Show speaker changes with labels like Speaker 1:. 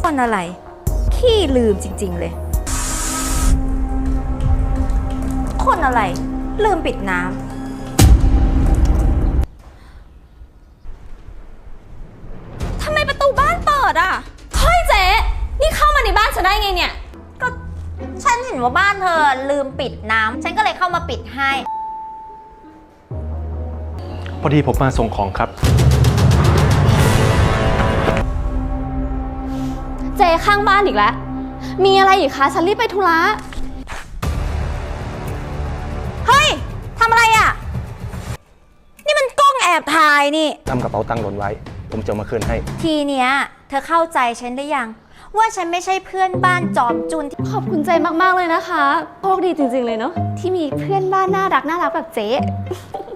Speaker 1: คนอะไรขี้ลืมจริงๆเลยคนอะไรลืมปิดน้ำ
Speaker 2: ทำไมประตูบ้านเปิดอ่ะเฮ้ยเจ๊นี่เข้ามาในบ้านฉันได้ไงเนี่ย
Speaker 1: ก็ฉันเห็นว่าบ้านเธอลืมปิดน้ำฉันก็เลยเข้ามาปิดให้
Speaker 3: พอดีผมมาส่งของครับ
Speaker 2: เจ๊ข้างบ้านอีกแล้วมีอะไรอีกคะฉันรีบไปธุระ
Speaker 1: เฮ้ยทำอะไรอ่ะนี่มันกล้องแอบถ่ายนี่
Speaker 3: นำกระเป๋าตังค์หล่นไว้ผมจะเอามาคืนให้
Speaker 1: ทีเนี้ยเธอเข้าใจฉันได้ยังว่าฉันไม่ใช่เพื่อนบ้านจอมจุนที่
Speaker 2: ขอบคุณใจมากๆเลยนะคะโชคดีจริงๆเลยเนาะที่มีเพื่อนบ้านน่ารักแบบเจ๊